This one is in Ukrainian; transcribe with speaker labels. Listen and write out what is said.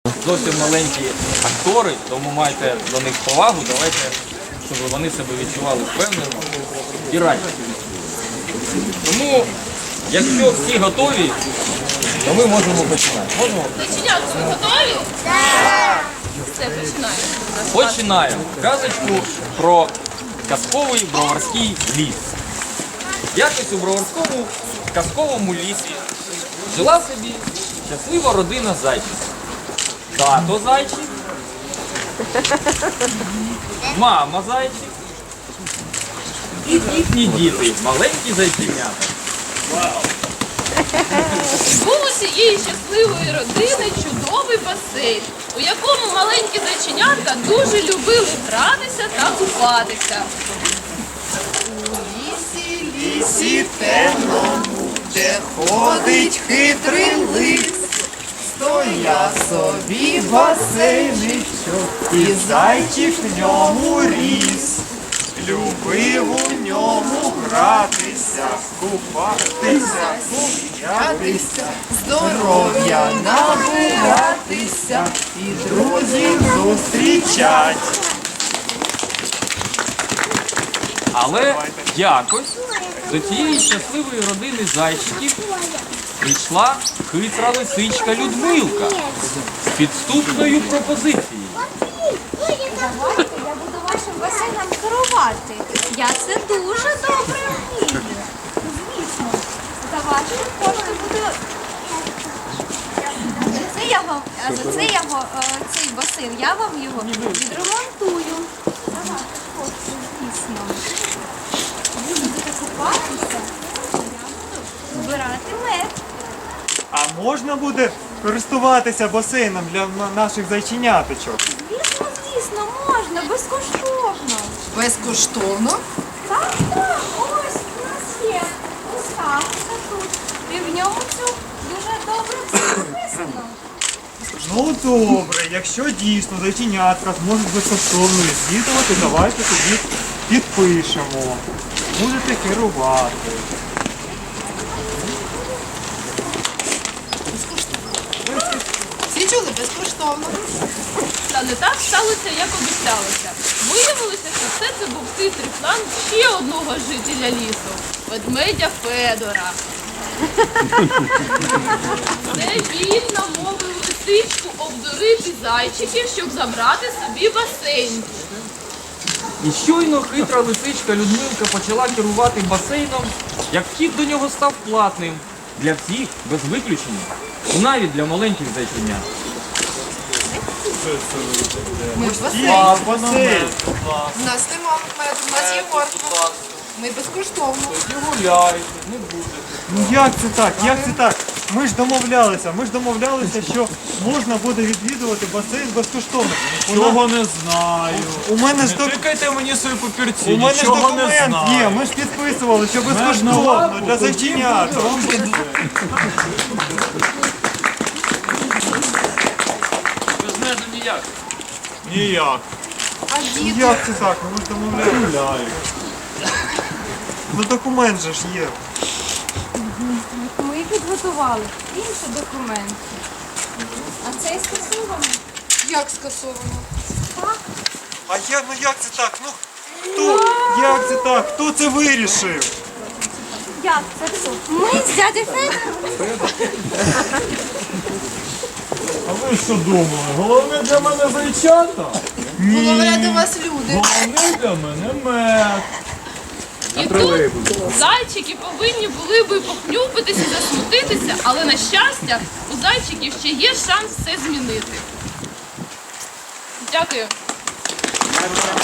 Speaker 1: Зовсім маленькі актори, тому майте до них повагу, давайте, щоб вони себе відчували впевнено і раді. Тому, якщо всі готові, то ми можемо починати. Можемо?
Speaker 2: Зачинятися, ви готові? Так! Все, починаємо.
Speaker 1: Починаємо казочку про казковий броварський ліс. Якось у броварському казковому лісі жила собі щаслива родина зайчиків. Тато зайчик, мама зайчик і їхні діти, маленькі зайченята.
Speaker 2: Був у цієї щасливої родини чудовий басейн, у якому маленькі зайченятка дуже любили гратися та купатися.
Speaker 3: Лісі темному, де ходить хитрий лис, стояв собі басейничок, і зайчик в ньому ріс. Любив у ньому гратися, купатися, сміятися, здоров'я набиратися і друзів зустрічать.
Speaker 1: Але якось до цієї щасливої родини зайчиків прийшла хитра лисичка Людмилка з підступною пропозицією.
Speaker 4: Давайте я буду вашим басейном керувати. Я це дуже добре вмію. Звісно, за ваші кошти буду. За це цей басейн, я вам його відремонтую. За ваші кошти, звісно. Ви будете купатися, я буду збирати мед.
Speaker 5: А можна буде користуватися басейном для наших зайченяточок?
Speaker 4: Звісно, можна, безкоштовно.
Speaker 3: Безкоштовно?
Speaker 4: Так, ось у нас є ставка тут. І в ньому все дуже добре все написано.
Speaker 5: Ну добре, якщо дійсно зайченятка зможуть безкоштовно відвідувати, давайте тоді підпишемо. Будете керувати.
Speaker 3: Всі чули? Безкоштовно.
Speaker 2: Та не так сталося, як обіцялося. Виявилося, що все це був хитрий план ще одного жителя лісу – ведмедя Федора. Це він намовив лисичку обдурити зайчиків, щоб забрати собі басейн.
Speaker 1: І щойно хитра лисичка Людмилка почала керувати басейном, як вхід до нього став платним для всіх, без виключення, навіть для маленьких зайченят.
Speaker 3: Ми в басейн.
Speaker 5: Басейн.
Speaker 3: У нас нема меду, у нас є морква. Ми безкоштовно.
Speaker 5: Ну як це так? Як це так? Ми ж домовлялися, що можна буде відвідувати басейн безкоштовно.
Speaker 6: Нічого не знаю.
Speaker 5: У мене ж
Speaker 6: Не тикайте мені свої папірці,
Speaker 5: У мене ж
Speaker 6: нічого не
Speaker 5: документ
Speaker 6: знаю.
Speaker 5: є, ми ж підписували, що безкоштовно для зайченят.
Speaker 1: Без мене ніяк.
Speaker 6: Ніяк.
Speaker 3: А діти?
Speaker 5: Як це так? Ми ж домовлялися. Ну документ же ж є.
Speaker 4: Ми підготували інші документи. А цей скасований.
Speaker 3: Як скасовано?
Speaker 5: А як це так? Ну хто? Як це так? Хто це вирішив?
Speaker 4: Як це все? Ми з дядя Федором.
Speaker 6: А ви що думали? Головне для мене зайчата?
Speaker 3: Говорять до вас люди.
Speaker 6: Головне для мене мед.
Speaker 2: І тут зайчики повинні були би похнюпитися, засмутитися, але на щастя, у зайчиків ще є шанс все змінити. Дякую.